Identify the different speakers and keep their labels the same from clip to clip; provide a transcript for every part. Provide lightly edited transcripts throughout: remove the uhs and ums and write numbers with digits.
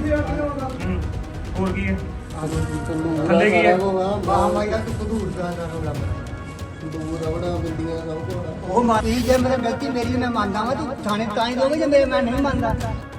Speaker 1: ਹੋਰ ਕੀ ਹੈ ਥੱਲੇ ਕੀ ਹੈ
Speaker 2: ਉਹ ਮਾਰੀ ਜੇ ਮੇਰੇ ਗਲਤੀ ਮੇਰੀ ਮੈਂ ਮੰਨਦਾ ਵਾਂ ਤੂੰ ਥਾਣੇ ਤਾਂ ਹੀ ਦੋਗੇ ਜੇ ਮੇਰੇ ਮੈਂ ਨਹੀਂ ਮੰਨਦਾ।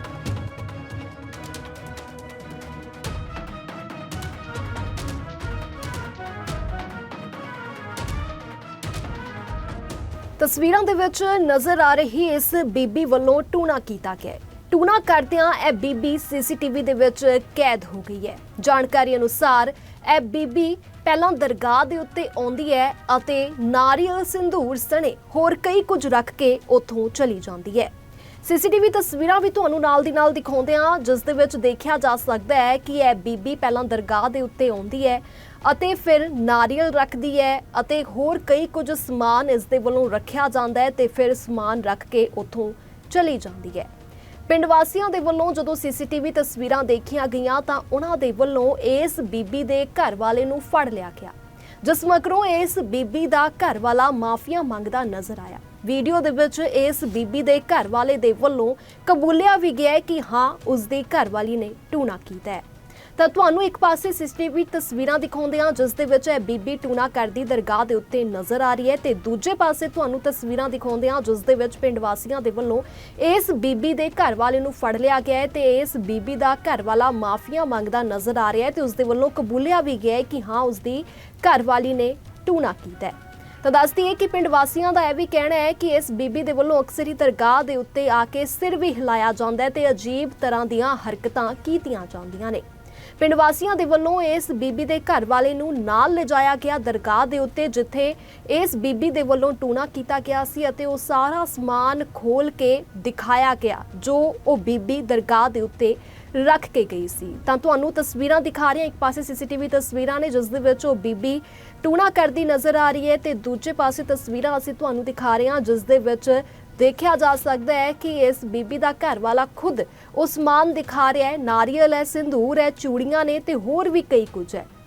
Speaker 3: ਤਸਵੀਰਾਂ ਦੇ ਵਿੱਚ ਨਜ਼ਰ ਆ ਰਹੀ ਇਸ ਬੀਬੀ ਵੱਲੋਂ ਟੂਣਾ ਕੀਤਾ ਗਿਆ ਹੈ। ਟੂਣਾ ਕਰਦਿਆਂ ਇਹ ਬੀਬੀ ਸੀਸੀਟੀਵੀ ਦੇ ਵਿੱਚ ਕੈਦ ਹੋ ਗਈ ਹੈ। ਜਾਣਕਾਰੀ ਅਨੁਸਾਰ ਇਹ ਬੀਬੀ ਪਹਿਲਾਂ ਦਰਗਾਹ ਦੇ ਉੱਤੇ ਆਉਂਦੀ ਹੈ ਅਤੇ ਨਾਰੀਅਲ ਸਿੰਧੂਰ ਸਣੇ ਹੋਰ ਕਈ ਕੁਝ ਰੱਖ ਕੇ ਉੱਥੋਂ ਚਲੀ ਜਾਂਦੀ ਹੈ। ਸੀਸੀਟੀਵੀ ਤਸਵੀਰਾਂ ਵੀ ਤੁਹਾਨੂੰ ਨਾਲ ਦੀ ਨਾਲ ਦਿਖਾਉਂਦੇ ਹਾਂ, ਜਿਸ ਦੇ ਵਿੱਚ ਦੇਖਿਆ ਜਾ ਸਕਦਾ ਹੈ ਕਿ ਇਹ ਬੀਬੀ ਪਹਿਲਾਂ ਦਰਗਾਹ ਦੇ ਉੱਤੇ ਆਉਂਦੀ ਹੈ ਅਤੇ ਫਿਰ ਨਾਰੀਅਲ ਰੱਖਦੀ ਹੈ ਅਤੇ ਹੋਰ ਕਈ ਕੁਝ ਸਮਾਨ ਇਸ ਦੇ ਵੱਲੋਂ ਰੱਖਿਆ ਜਾਂਦਾ ਹੈ ਤੇ ਫਿਰ ਸਮਾਨ ਰੱਖ ਕੇ ਉੱਥੋਂ ਚਲੀ ਜਾਂਦੀ ਹੈ। ਪਿੰਡ ਵਾਸੀਆਂ ਦੇ ਵੱਲੋਂ ਜਦੋਂ ਸੀਸੀਟੀਵੀ ਤਸਵੀਰਾਂ ਦੇਖੀਆਂ ਗਈਆਂ ਤਾਂ ਉਹਨਾਂ ਦੇ ਵੱਲੋਂ ਇਸ ਬੀਬੀ ਦੇ ਘਰ ਵਾਲੇ ਨੂੰ ਫੜ ਲਿਆ ਗਿਆ, ਜਿਸ ਮਗਰੋਂ ਇਸ ਬੀਬੀ ਦਾ ਘਰ ਵਾਲਾ ਮਾਫੀਆ ਮੰਗਦਾ ਨਜ਼ਰ ਆਇਆ। ਵੀਡੀਓ ਦੇ ਵਿੱਚ ਇਸ ਬੀਬੀ ਦੇ ਘਰ ਵਾਲੇ ਦੇ ਵੱਲੋਂ ਕਬੂਲਿਆ ਵੀ ਗਿਆ ਕਿ ਹਾਂ ਉਸ ਦੀ ਘਰ ਵਾਲੀ ਨੇ ਟੂਣਾ ਕੀਤਾ ਹੈ। ਤਾਂ ਤੁਹਾਨੂੰ ਇੱਕ ਪਾਸੇ ਸੀਸੀਟੀਵੀ ਤਸਵੀਰਾਂ ਦਿਖਾਉਂਦੇ ਹਾਂ ਜਿਸ ਦੇ ਵਿੱਚ ਇਹ ਬੀਬੀ ਟੂਣਾ ਕਰਦੀ ਦਰਗਾਹ ਦੇ ਉੱਤੇ ਨਜ਼ਰ ਆ ਰਹੀ ਹੈ ਤੇ ਦੂਜੇ ਪਾਸੇ ਤੁਹਾਨੂੰ ਤਸਵੀਰਾਂ ਦਿਖਾਉਂਦੇ ਹਾਂ ਜਿਸ ਦੇ ਵਿੱਚ ਪਿੰਡ ਵਾਸੀਆਂ ਦੇ ਵੱਲੋਂ ਇਸ ਬੀਬੀ ਦੇ ਘਰ ਵਾਲੇ ਨੂੰ ਫੜ ਲਿਆ ਗਿਆ ਹੈ ਤੇ ਇਸ ਬੀਬੀ ਦਾ ਘਰ ਵਾਲਾ ਮਾਫੀਆ ਮੰਗਦਾ ਨਜ਼ਰ ਆ ਰਿਹਾ ਹੈ ਤੇ ਉਸ ਦੇ ਵੱਲੋਂ ਕਬੂਲਿਆ ਵੀ ਗਿਆ ਹੈ ਕਿ ਹਾਂ ਉਸ ਦੀ ਘਰ ਵਾਲੀ ਨੇ ਟੂਣਾ ਕੀਤਾ ਹੈ। ਤਾਂ ਦੱਸਦੀ ਹੈ ਕਿ ਪਿੰਡ ਵਾਸੀਆਂ ਦਾ ਇਹ ਵੀ ਕਹਿਣਾ ਹੈ ਕਿ ਇਸ ਬੀਬੀ ਦੇ ਵੱਲੋਂ ਅਕਸਰ ਹੀ ਦਰਗਾਹ ਦੇ ਉੱਤੇ ਆ ਕੇ ਸਿਰ ਵੀ ਹਿਲਾਇਆ ਜਾਂਦਾ ਹੈ ਤੇ ਅਜੀਬ ਤਰ੍ਹਾਂ ਦੀਆਂ ਹਰਕਤਾਂ ਕੀਤੀਆਂ ਜਾਂਦੀਆਂ ਨੇ। ਪਿੰਡ ਵਾਸੀਆਂ ਦੇ ਵੱਲੋਂ ਇਸ ਬੀਬੀ ਦੇ ਘਰ ਵਾਲੇ ਨੂੰ ਨਾਲ ਲਿਜਾਇਆ ਗਿਆ ਦਰਗਾਹ ਦੇ ਉੱਤੇ, ਜਿੱਥੇ ਇਸ ਬੀਬੀ ਦੇ ਵੱਲੋਂ ਟੂਣਾ ਕੀਤਾ ਗਿਆ ਸੀ ਅਤੇ ਉਹ ਸਾਰਾ ਸਮਾਨ ਖੋਲ ਕੇ ਦਿਖਾਇਆ ਗਿਆ ਜੋ ਉਹ ਬੀਬੀ ਦਰਗਾਹ ਦੇ ਉੱਤੇ ਰੱਖ ਕੇ ਗਈ ਸੀ। ਤਾਂ ਤੁਹਾਨੂੰ ਤਸਵੀਰਾਂ ਦਿਖਾ ਰਹੇ ਹਾਂ, ਇੱਕ ਪਾਸੇ ਸੀਸੀਟੀਵੀ ਤਸਵੀਰਾਂ ਨੇ ਜਿਸ ਦੇ ਵਿੱਚ ਉਹ ਬੀਬੀ ਟੂਣਾ ਕਰਦੀ ਨਜ਼ਰ ਆ ਰਹੀ ਹੈ ਤੇ ਦੂਜੇ ਪਾਸੇ ਤਸਵੀਰਾਂ ਅਸੀਂ ਤੁਹਾਨੂੰ ਦਿਖਾ ਰਹੇ ਹਾਂ ਜਿਸ ਦੇ ਵਿੱਚ ਦੇਖਿਆ ਜਾ ਸਕਦਾ ਹੈ ਕਿ ਇਸ ਬੀਬੀ ਦਾ ਘਰ ਵਾਲਾ ਖੁਦ ਉਹ ਸਮਾਨ ਦਿਖਾ ਰਿਹਾ ਹੈ। ਨਾਰੀਅਲ ਹੈ, ਸਿੰਧੂਰ ਹੈ, ਚੂੜੀਆਂ ਨੇ ਤੇ ਹੋਰ ਵੀ ਕਈ ਕੁਝ ਹੈ।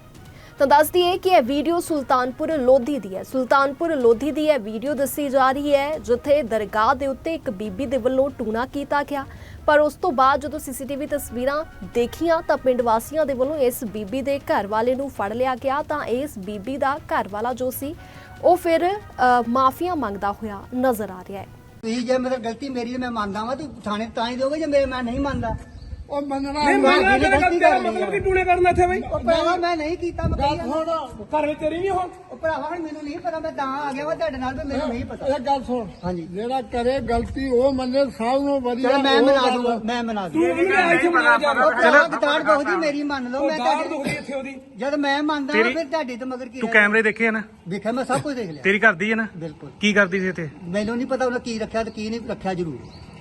Speaker 3: ਤਾਂ ਦੱਸਦੀ ਹੈ ਕਿ ਇਹ ਵੀਡੀਓ ਸੁਲਤਾਨਪੁਰ ਲੋਧੀ ਦੀ ਹੈ। ਸੁਲਤਾਨਪੁਰ ਲੋਧੀ ਦੀ ਇਹ ਵੀਡੀਓ ਦੱਸੀ ਜਾ ਰਹੀ ਹੈ ਜਿੱਥੇ ਦਰਗਾਹ ਦੇ ਉੱਤੇ ਇੱਕ ਬੀਬੀ ਦੇ ਵੱਲੋਂ ਟੂਣਾ ਕੀਤਾ ਗਿਆ, ਪਰ ਉਸ ਤੋਂ ਬਾਅਦ ਜਦੋਂ ਸੀਸੀਟੀਵੀ ਤਸਵੀਰਾਂ ਦੇਖੀਆਂ ਤਾਂ ਪਿੰਡ ਵਾਸੀਆਂ ਦੇ ਵੱਲੋਂ ਇਸ ਬੀਬੀ ਦੇ ਘਰ ਵਾਲੇ ਨੂੰ ਫੜ ਲਿਆ ਗਿਆ। ਤਾਂ ਇਸ ਬੀਬੀ ਦਾ ਘਰ ਵਾਲਾ ਜੋ ਸੀ ਉਹ ਫਿਰ ਮਾਫੀਆ ਮੰਗਦਾ ਹੋਇਆ ਨਜ਼ਰ ਆ ਰਿਹਾ ਹੈ।
Speaker 2: ਤੁਸੀਂ ਜੇ ਮੇਰੇ ਗਲਤੀ ਮੇਰੀ ਮੈਂ ਮੰਨਦਾ ਵਾਂ ਤੂੰ ਥਾਣੇ ਤਾਂ ਹੀ ਦੋਗੇ ਜੇ ਮੇਰੇ ਮੈਂ ਨਹੀਂ ਮੰਨਦਾ।
Speaker 4: ਉਹ ਮੰਨਣਾ
Speaker 1: ਨਹੀਂ ਮੈਂ ਤੇਰਾ ਮਤਲਬ ਕਿ ਟੂਣੇ ਕਰਨਾ ਇੱਥੇ ਬਈ
Speaker 2: ਉਹ ਭਰਾਵਾ ਮੈਂ ਨਹੀਂ ਕੀਤਾ ਮੈਂ
Speaker 4: ਗੱਲ
Speaker 2: ਕਹੀ
Speaker 4: ਸੁਣ,
Speaker 1: ਘਰ ਵਿੱਚ ਤੇਰੀ ਨਹੀਂ ਹੋ
Speaker 2: ਉਹ ਭਰਾਵਾ ਹੁਣ ਮੈਨੂੰ ਨਹੀਂ ਪਤਾ, ਮੈਂ ਤਾਂ ਆ ਗਿਆ ਵਾ ਤੁਹਾਡੇ ਨਾਲ ਵੀ ਮੈਨੂੰ ਨਹੀਂ ਪਤਾ।
Speaker 4: ਇਹ ਗੱਲ ਸੁਣ,
Speaker 2: ਹਾਂਜੀ
Speaker 4: ਜਿਹੜਾ ਕਰੇ ਗਲਤੀ ਉਹ ਮੰਨੇ ਸਭ ਨੂੰ ਵਧੀਆ।
Speaker 2: ਚਲੋ ਮੈਂ ਮਨਾ ਦੂੰਗਾ, ਮੈਂ ਮਨਾ ਦੂੰਗਾ।
Speaker 1: ਤੂੰ ਨਹੀਂ ਇੱਥੇ ਬਣਾ ਜਾ
Speaker 2: ਚਲੋ ਗਤਾੜ ਬਹੁਤੀ ਮੇਰੀ ਮੰਨ ਲਓ, ਮੈਂ
Speaker 1: ਦਾੜ
Speaker 2: ਤੁਹਾਡੀ
Speaker 1: ਦੁਖਦੀ ਇੱਥੇ ਉਹਦੀ।
Speaker 2: ਜਦ ਮੈਂ ਮੰਨਦਾ
Speaker 1: ਤੇਰੀ-
Speaker 2: ਫਿਰ ਤੁਹਾਡੇ ਤੋਂ ਮਗਰ ਕੀ
Speaker 1: ਤੂੰ
Speaker 2: ਰਹਿ-
Speaker 1: ਕੈਮਰੇ ਦੇਖੇ ਆ ਨਾ,
Speaker 2: ਦੇਖਿਆ ਮੈਂ ਸਭ ਕੁਝ ਦੇਖ ਲਿਆ।
Speaker 1: ਤੇਰੀ ਕਰਦੀ ਹੈ ਨਾ,
Speaker 2: ਬਿਲਕੁਲ
Speaker 1: ਕੀ ਕਰਦੀ ਸੀ ਇੱਥੇ?
Speaker 2: ਮੈਨੂੰ ਨਹੀਂ ਪਤਾ ਉਹਨੇ ਕੀ ਰੱਖਿਆ ਤੇ ਕੀ ਨਹੀਂ ਰੱਖਿਆ ਜ਼ਰੂਰ।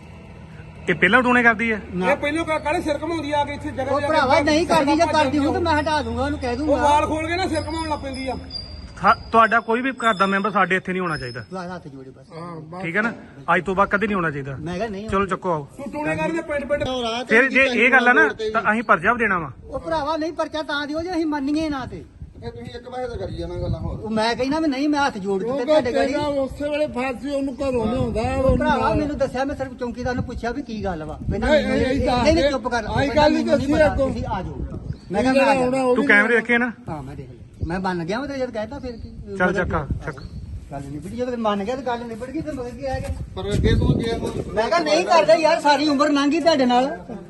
Speaker 1: ਇਹ ਪਹਿਲਾਂ ਟੂਣੇ ਕਰਦੀ ਹੈ?
Speaker 2: ਨਾ
Speaker 1: ਪਹਿਲਾਂ ਕਾਲੇ ਸਿਰ ਘਮਾਉਂਦੀ ਆ ਕੇ ਇੱਥੇ ਜਗ੍ਹਾ
Speaker 2: ਉਹ ਭਰਾਵਾ ਨਹੀਂ ਕਰਦੀ, ਜੇ ਕਰਦੀ ਹੂੰ ਤਾਂ ਮੈਂ ਹਟਾ ਦੂੰਗਾ, ਉਹਨੂੰ ਕਹਿ ਦੂੰਗਾ।
Speaker 1: ਖੋਲ ਕੇ ਨਾ ਸਿਰ ਘਮਾਉਣ ਲੱਗ ਪੈਂਦੀ ਆ। ਤੁਹਾਡਾ ਕੋਈ ਵੀ ਘਰ ਦਾ ਮੈਂਬਰ ਸਾਡੇ ਇੱਥੇ ਨਹੀਂ ਹੋਣਾ ਚਾਹੀਦਾ,
Speaker 2: ਹੱਥ ਜੋੜੇ ਬਸ।
Speaker 1: ਠੀਕ ਹੈ ਨਾ? ਅੱਜ ਤੋਂ ਬਾਅਦ ਕਦੇ ਨਹੀਂ ਹੋਣਾ ਚਾਹੀਦਾ।
Speaker 2: ਮੈਂ ਕਿਹਾ ਨਹੀਂ
Speaker 1: ਚਲੋ ਚੱਕੋ ਆਓ।
Speaker 4: ਤੂੰ ਟੂਣੇ ਕਰਦੇ ਪਿੰਡ ਪਿੰਡ
Speaker 1: ਫਿਰ ਜੇ ਇਹ ਗੱਲ ਆ ਨਾ ਤਾਂ ਅਸੀਂ ਪਰਜਾ ਵੀ ਦੇਣਾ ਵਾ।
Speaker 2: ਉਹ ਭਰਾਵਾ ਨਹੀਂ ਪਰਚਾ ਤਾਂ ਦਿਓ ਜੇ ਅਸੀਂ ਮੰਨੀਏ ਨਾ ਤੇ।
Speaker 4: ਤੁਸੀਂ ਇੱਕ ਵਾਰ ਤਾਂ ਕਰੀ ਜਾਣਾ ਗੱਲਾਂ ਹੋਰ।
Speaker 2: ਉਹ ਮੈਂ ਕਹਿੰਦਾ ਮੈਂ ਨਹੀਂ, ਮੈਂ ਹੱਥ ਜੋੜ
Speaker 4: ਉਹ
Speaker 2: ਦਿੱਤੇ ਤੁਹਾਡੇ ਗਾੜੀ।
Speaker 4: ਉਸੇ ਵੇਲੇ ਫਾਂਸੀ ਉਹਨੂੰ ਘਰੋਂ ਲਿਆਉਂਦਾ
Speaker 2: ਉਹ ਭਰਾਵਾ ਮੈਨੂੰ ਦੱਸਿਆ, ਮੈਂ ਸਿਰਫ ਚੌਂਕੀਦਾਰ ਨੂੰ ਪੁੱਛਿਆ ਵੀ ਕੀ ਗੱਲ ਵਾ। ਕਹਿੰਦਾ
Speaker 4: ਨਹੀਂ, ਨਹੀਂ,
Speaker 2: ਨਹੀਂ ਨਹੀਂ ਚੁੱਪ ਕਰ,
Speaker 4: ਆਹੀ ਗੱਲ ਨਹੀਂ ਦੱਸੀ ਅੱਗੋਂ।
Speaker 2: ਤੁਸੀਂ ਆ ਜਾਓ। ਮੈਂ ਕਿਹਾ ਮੈਂ ਆ ਜਾਣਾ।
Speaker 1: ਤੂੰ ਕੈਮਰੇ ਦੇਖੇ ਨਾ?
Speaker 2: ਹਾਂ ਮੈਂ ਦੇਖ ਲਿਆ, ਮੈਂ ਮੰਨ ਗਿਆ। ਮੈਂ ਤੇ ਜਦ ਕਹਿਤਾ ਫਿਰ ਕੀ
Speaker 1: ਚੱਲ ਚੱਕਾ ਚੱਕ।
Speaker 2: ਗੱਲ ਨਿਬੜੀ, ਜਦੋਂ ਮੰਨ ਗਿਆ ਤਾਂ ਗੱਲ ਨਿਬੜ ਗਈ, ਫਿਰ ਮਗਰ ਕੀ ਆ ਗਿਆ।
Speaker 4: ਪਰ ਅੱਗੇ ਤੋਂ ਗਿਆ
Speaker 2: ਮੈਂ ਕਿਹਾ ਨਹੀਂ ਕਰਦਾ ਯਾਰ, ਸਾਰੀ ਉਮਰ ਲੰਘੀ ਤੁਹਾਡੇ ਨਾਲ।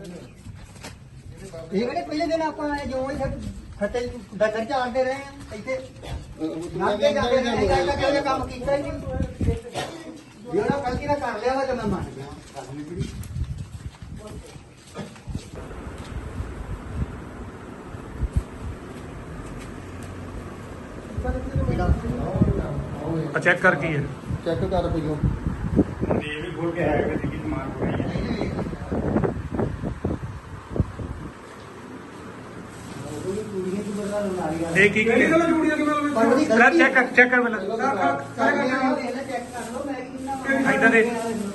Speaker 2: ਇਹ ਕਿਹੜੇ ਪਹਿਲੇ ਦਿਨ ਆਪਾਂ ਜੋ ਖੱਤੇ ਡੰਗਰ ਚਾਰਦੇ ਰਹੇ ਆ ਇੱਥੇ ਨਾਕੇ ਜਾਂਦੇ ਰਹੇ, ਕਹਿੰਦਾ ਕੰਮ ਕੀਤਾ ਹੀ ਨਹੀਂ। ਜਿਹੜਾ ਗਲਤੀ ਨਾਲ ਕਰ ਲਿਆ ਵਾ ਤਾਂ ਮੈਂ ਮੰਨ ਗਿਆ, ਗੱਲ ਨਿਬੜੀ।
Speaker 1: ਆ ਚੈੱਕ ਕਰ ਕੀ ਹੈ?
Speaker 4: ਚੈੱਕ ਕਰ ਪਈਓ।
Speaker 1: ਇਹ ਵੀ ਖੋਲ ਕੇ ਆਇਆ ਕਿ ਕੀ ਸਮਾਨ ਹੋ ਰਹੀ ਹੈ। ਇਹ ਕੀ ਕੀ ਚਲੋ ਜੂੜੀਆਂ ਕਿਵੇਂ ਕਰ ਚੈੱਕ ਕਰ ਪਹਿਲਾਂ ਇਦਾਂ ਦੇ।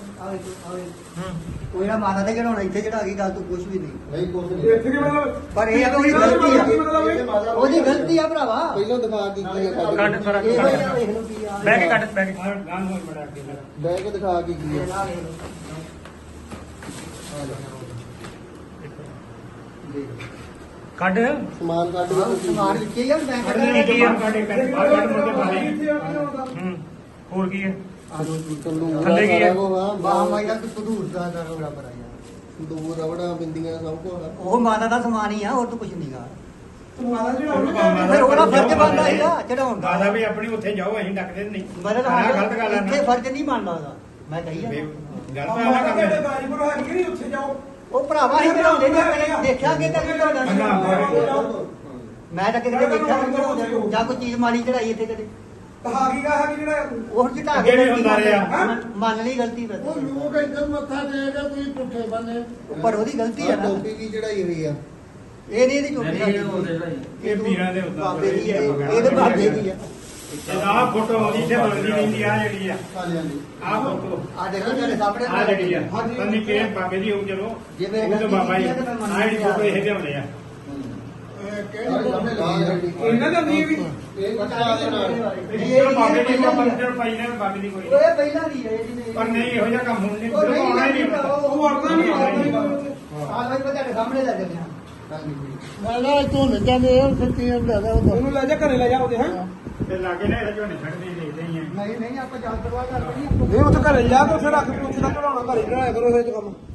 Speaker 2: ਕੋਈ ਨਾ ਮਾਤਾ ਦੇ ਘੜਾਉਣਾ ਇੱਥੇ ਚੜਾ ਗਈ, ਗੱਲ ਤੂੰ ਕੁਝ ਵੀ ਨਹੀਂ।
Speaker 4: ਨਹੀਂ ਕੁਛ ਨਹੀਂ।
Speaker 1: ਇੱਥੇ ਕੀ ਮਤਲਬ?
Speaker 2: ਪਰ ਇਹ ਆ ਉਹਦੀ ਗਲਤੀ ਆ, ਉਹਦੀ ਗਲਤੀ ਆ ਭਰਾਵਾ।
Speaker 4: ਪਹਿਲਾਂ ਦਿਖਾ ਕੀ ਕੀ
Speaker 1: ਕੱਢ ਸਾਰਾ
Speaker 2: ਇਹ ਹੋਈ ਆ, ਵੇਖ ਲਓ ਕੀ ਆ।
Speaker 1: ਬਹਿ ਕੇ ਕੱਢ ਬਹਿ ਕੇ
Speaker 4: ਬਹਿ ਕੇ ਦਿਖਾ ਕੀ ਕੀ
Speaker 2: ਇਹ ਨਾ ਵੇਖ ਲਓ।
Speaker 1: ਕੱਢ
Speaker 4: ਸਮਾਨ ਕੱਢ ਕੇ ਤੁਸੀਂ
Speaker 2: ਸਮਾਨ ਵਿੱਚ ਹੀ ਆ ਮੈਂ
Speaker 1: ਕੱਢਣੇ ਕੀ ਆ
Speaker 2: ਕੱਢ
Speaker 1: ਕੱਢ ਮੁੜ ਕੇ ਬਾਹਰ ਹੋਰ ਕੀ ਹੈ
Speaker 4: ਤੰਦੂਰ
Speaker 1: ਥੱਲੇ ਕੀ ਹੈ?
Speaker 4: ਸਾਰਾ ਕੁਛ ਆ,
Speaker 2: ਬਾਹ ਮਾਈ ਦਾ ਤਦੂਰ ਦਾ ਰੋੜਾ ਬਰਾਇਆ
Speaker 4: ਤੰਦੂਰ ਰਬੜਾ ਬਿੰਦੀਆਂ ਸਭ ਕੁਝ ਆ।
Speaker 2: ਉਹ ਮਾਤਾ ਦਾ ਸਮਾਨ ਹੀ ਆ ਹੋਰ ਤਾਂ ਕੁਝ ਨਹੀਂਗਾ
Speaker 1: ਮਾਦਾ
Speaker 2: ਫਿਰ ਉਹਦਾ ਫਰਜ਼ ਬਣਦਾ ਸੀਗਾ ਚੜਾਉਣ ਦਾ
Speaker 1: ਦਾਦਾ ਵੀ ਆਪਣੀ ਉੱਥੇ ਜਾਓ ਅਸੀਂ ਡੱਕਦੇ ਨਹੀਂ
Speaker 2: ਮਦਦ
Speaker 1: ਆਹ ਗਲਤ ਗੱਲ ਆ ਨਾ।
Speaker 2: ਇੱਥੇ ਫਰਜ਼ ਨਹੀਂ ਮੰਨਦਾ ਉਹਦਾ ਮੈਂ ਕਹੀ ਆ
Speaker 1: ਗਲਤ ਆ ਨਾ ਕੰਮ
Speaker 2: ਉਹ ਭਰਾਵਾ ਹੀ ਬਣਾਉਂਦੇ ਨੇ ਪਹਿਲੇ ਦੇਖਿਆ ਕਿ ਤਾਂ ਬਣਾਉਂਦਾ ਮੈਂ ਤਾਂ ਕਿਤੇ ਦੇਖਿਆ ਨਹੀਂ ਬਣਾਉਂਦੇ ਜਾਂ ਕੋਈ ਚੀਜ਼ ਮਾੜੀ ਚੜਾਈ ਇੱਥੇ ਕਦੇ ਉਹ ਜਿਹਾ
Speaker 1: ਅੱਗੇ ਵੀ ਹੁੰਦਾ ਰਿਹਾ।
Speaker 2: ਮੰਨ ਲਈ ਗਲਤੀ ਫਿਰ
Speaker 5: ਉਹ ਲੋਕ ਇੱਧਰ ਮੱਥਾ ਦੇ ਕੇ ਤੁਸੀਂ ਪੁੱਠੇ ਬੰਨੇ
Speaker 2: ਪਰ ਉਹਦੀ ਗਲਤੀ
Speaker 4: ਆਹ
Speaker 2: ਹੈ ਨਾ
Speaker 4: ਟੋਪੀ ਵੀ ਚੜਾਈ ਹੋਈ ਆ।
Speaker 2: ਇਹ ਨਹੀਂ ਇਹਦੀ ਚੋਟੀ
Speaker 1: ਇਹ ਪੀਰਾਂ ਦੇ ਹੁੰਦਾ
Speaker 2: ਬਾਬੇ ਦੀ ਹੈ ਇਹਦੇ ਬਾਬੇ ਦੀ ਹੈ
Speaker 1: ਆਹ ਫੋਟੋ ਆਉਂਦੀ ਤੇ ਬਣਦੀ ਰਹਿੰਦੀ ਆ ਜਿਹੜੀ ਆ
Speaker 4: ਹਾਂਜੀ ਹਾਂਜੀ
Speaker 1: ਆਹ ਫੋਟੋ
Speaker 2: ਆ ਦੇਖੋ ਤੁਹਾਡੇ ਸਾਹਮਣੇ
Speaker 1: ਆ ਜਿਹੜੀ ਆ ਤੰਨੀ ਕੇ ਬਾਬੇ ਦੀ ਹੋਊ ਚਲੋ
Speaker 2: ਜਿਵੇਂ
Speaker 1: ਉਹ ਤਾਂ ਬਾਬਾ ਜੀ ਆ ਜਿਹੜੀ ਫੋਟੋ ਇਹ ਲਿਆਉਂਦੇ ਆ
Speaker 4: ਇਹਨਾਂ ਦਾ ਨਹੀਂ ਵੀ ਇਹ ਬੱਚਾ ਦੇ ਨਾਲ
Speaker 1: ਇਹ ਬਾਬੇ ਦੀ ਕੋਈ ਬੰਦਰ ਪਾਈ ਨਾ ਬਾਬੇ ਦੀ ਕੋਈ
Speaker 2: ਉਹ ਇਹ ਪਹਿਲਾਂ ਦੀ ਹੈ ਜਿਹਨੇ
Speaker 1: ਪਰ ਨਹੀਂ ਇਹੋ ਜਿਹਾ ਕੰਮ ਹੁਣ ਨਹੀਂ
Speaker 2: ਉਹ ਨਹੀਂ
Speaker 1: ਆਉਣਾ ਹੀ ਨਹੀਂ
Speaker 2: ਉਹ ਵਰਨਾ ਨਹੀਂ ਆ ਭਾਈ ਤੁਹਾਡੇ ਸਾਹਮਣੇ ਲੱਗ ਗਿਆ
Speaker 5: ਮੈਂ ਨਾ ਤੂੰ ਨਿੱਜਾ ਦੇ ਉਹ ਸੱਤੀਆਂ ਲੈ ਜਾ ਉਹ
Speaker 6: ਉਹਨੂੰ ਲੈ ਜਾ ਘਰੇ ਲੈ ਜਾ ਉਹਦੇ ਹੈ
Speaker 1: ਤੇ ਲਾਗੇ ਨੇ ਇਹ ਝੋਨੇ ਛੱਡਦੇ ਹੀ ਦੇਖਦੇ ਹੀ ਆ
Speaker 2: ਨਹੀਂ ਨਹੀਂ ਆਪਾਂ ਜਾਂਚ ਕਰਵਾ ਕਰਦੇ ਨਹੀਂ
Speaker 6: ਨਹੀਂ ਉੱਥੇ ਘਰੇ ਜਾ ਕੇ ਉੱਥੇ ਰੱਖ ਕੇ ਉੱਥੇ ਦਾ ਕਢਾਉਣਾ ਘਰੇ ਕਢਾਇਆ ਕਰੋ ਇਹ ਕੰਮ